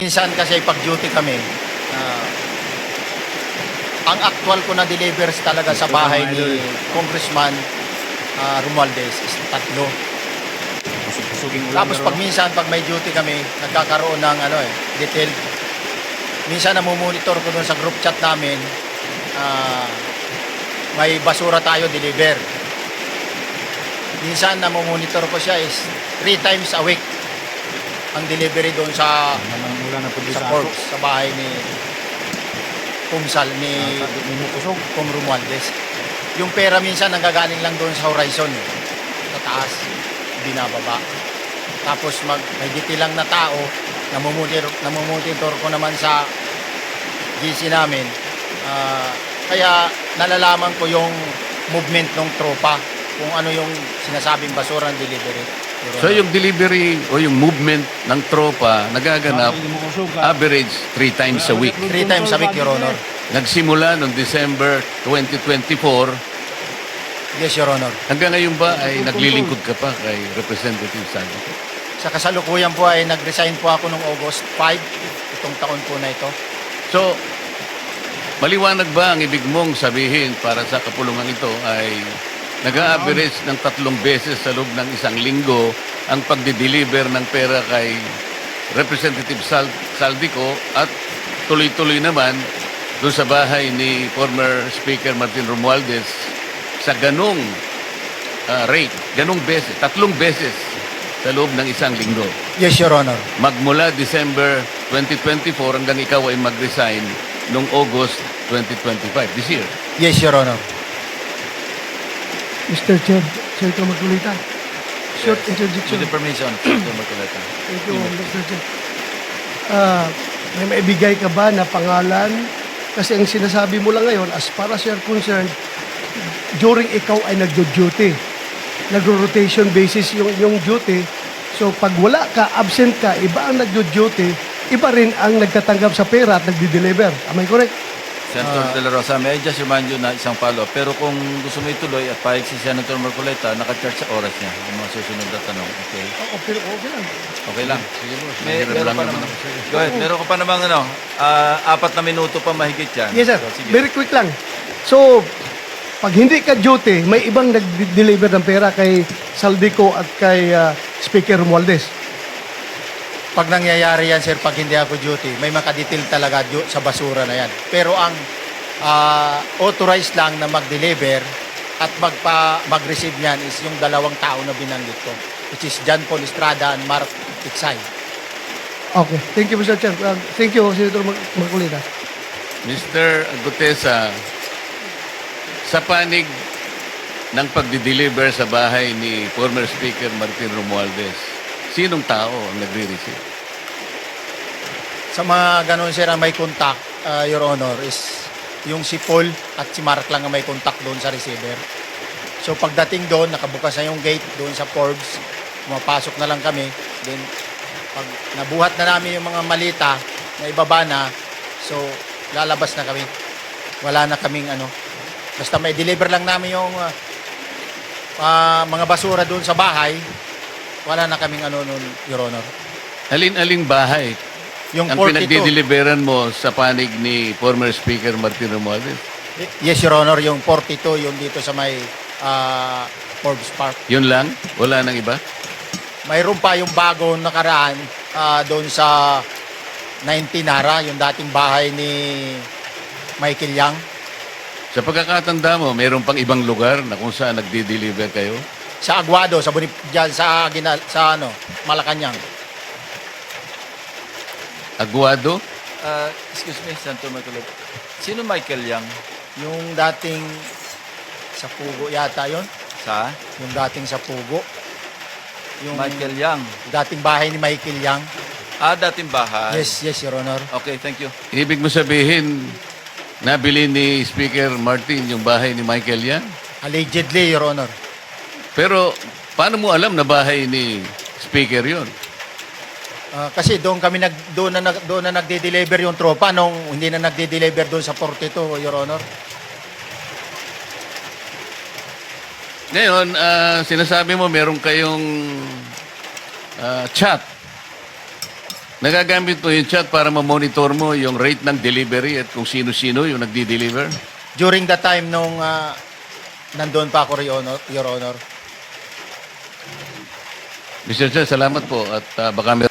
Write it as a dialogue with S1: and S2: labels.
S1: Minsan kasi pag-duty kami, ang actual ko na delivers talaga sa bahay ni Congressman Romualdez is 3.
S2: Pusuging ulam.
S1: Tapos pag minsan, pag may duty kami, nagkakaroon ng detailed. Minsan namumonitor ko doon sa group chat namin, may basura tayo deliver. Minsan namumonitor ko siya is 3 times a week ang delivery doon sa Forbes, sa bahay ni Kumsal, ni Kung Romualdez. Yung pera minsan nanggagaling lang doon sa horizon, sa taas, binababa. Tapos may lang na tao, namumonitor ko naman sa GC namin. Kaya nalalaman ko yung movement ng tropa, kung ano yung sinasabing basura ng delivery.
S3: So yung delivery o yung movement ng tropa nagaganap average 3 times a week.
S1: 3 times a week, Your Honor.
S3: Nagsimula noong December 2024.
S1: Yes, Your Honor.
S3: Hanggang ngayon ba ay naglilingkod ka pa kay Representative Saldico?
S1: Sa kasalukuyan po ay nag-resign po ako noong August 5, itong taon po na ito.
S3: So, maliwanag ba ang ibig mong sabihin para sa kapulungan ito ay nag-a-average ng 3 beses sa loob ng isang linggo ang pagdi-deliver ng pera kay Representative Saldico at tuloy-tuloy naman doon sa bahay ni former Speaker Martin Romualdez sa ganong rate, ganong beses, 3 beses sa loob ng isang linggo.
S1: Yes, Your Honor.
S3: Magmula December 2024 hanggang ikaw ay mag-resign noong August 2025, this year.
S1: Yes, Your Honor.
S4: Mr. Chair, Senator Marcolita. Short interjection.
S2: With the permission, Senator Marcolita.
S4: Thank you, Mr. Chair. May maibigay ka ba na pangalan? Kasi ang sinasabi mo lang ngayon, as far as you're concerned, during ikaw ay nag-duty. Nag-rotation basis yung duty. So pag wala ka, absent ka, iba ang nag-duty, iba rin ang nagtatanggap sa pera at nagdi-deliver. Am I correct?
S2: Senator De La Rosa, may I just remind you na isang follow-up. Pero kung gusto mo ituloy at pahig si Senator Marcolita, naka-charge sa oras niya. Yung mga susunod na tanong. Okay?
S4: Okay lang.
S2: Okay lang.
S3: Sige boss,
S2: Meron
S3: mahirap lang
S2: pa
S3: naman
S2: naman.
S3: ako sa'yo.
S2: Go ahead. Meron ka pa namang 4 na minuto pa mahigit yan.
S4: Yes, sir.
S2: So, sige.
S4: Very quick lang. So, pag hindi ka duty, may ibang nag-deliver ng pera kay Saldico at kay Speaker Romualdez.
S1: Pag nangyayari yan, sir, pag hindi ako duty, may makadetail talaga sa basura na yan. Pero ang authorized lang na mag-deliver at mag-receive niyan is yung 2 tao na binanggit ko, which is John Paul Estrada and Mark Tiksay.
S4: Okay. Thank you, Mr. Chair. Thank you, Senator Marcolita.
S3: Mr. Gutesa, sa panig ng pagdi-deliver sa bahay ni former Speaker Martin Romualdez, sinong tao ang nagre-receive?
S1: Sa mga ganun, sir, ang may contact, Your Honor, is yung si Paul at si Mark lang ang may contact doon sa receiver. So pagdating doon, nakabukas na yung gate doon sa Forbes, pumapasok na lang kami. Then pag nabuhat na namin yung mga malita na ibaba na, so lalabas na kami. Wala na kaming basta may deliver lang namin yung mga basura doon sa bahay, wala na kaming nun, Your Honor.
S3: Alin-aling bahay
S1: Yung
S3: ang
S1: 42.
S3: pinagdi-deliveran mo sa panig ni former Speaker Martin Romualdez?
S1: Yes, Your Honor, yung 42, yung dito sa may Forbes Park.
S3: Yun lang? Wala nang iba?
S1: Mayroon pa yung bagong nakaraan doon sa 19 Nara, yung dating bahay ni Michael Yang.
S3: Sa pagkakatanda mo, mayroon pang ibang lugar na kung saan nagdi-deliver kayo?
S1: Sa Aguado, sa dyan, sa Malacanang.
S3: Aguado?
S2: Excuse me, Senator Marcolita. Sino Michael Yang?
S1: Yung dating sa Pugo yata yon,
S2: Sa?
S1: yung dating sa Pugo. Yung
S2: Michael Yang.
S1: dating bahay ni Michael Yang.
S2: Dating bahay.
S1: Yes, Your Honor.
S2: Okay, thank you.
S3: Ibig mo sabihin, nabili ni Speaker Martin yung bahay ni Michael Yan?
S1: Allegedly, Your Honor.
S3: Pero paano mo alam na bahay ni Speaker yon?
S1: Kasi doon na nagde-deliver yung tropa nung hindi na nagde-deliver doon sa 42, Your Honor.
S3: Ngayon, sinasabi mo meron kayong chat Nagagamit mo yung chat para ma-monitor mo yung rate ng delivery at kung sino-sino yung nagdi-deliver?
S1: During the time nung nandun pa ako, Your Honor.
S3: Mr. Chair, salamat po at baka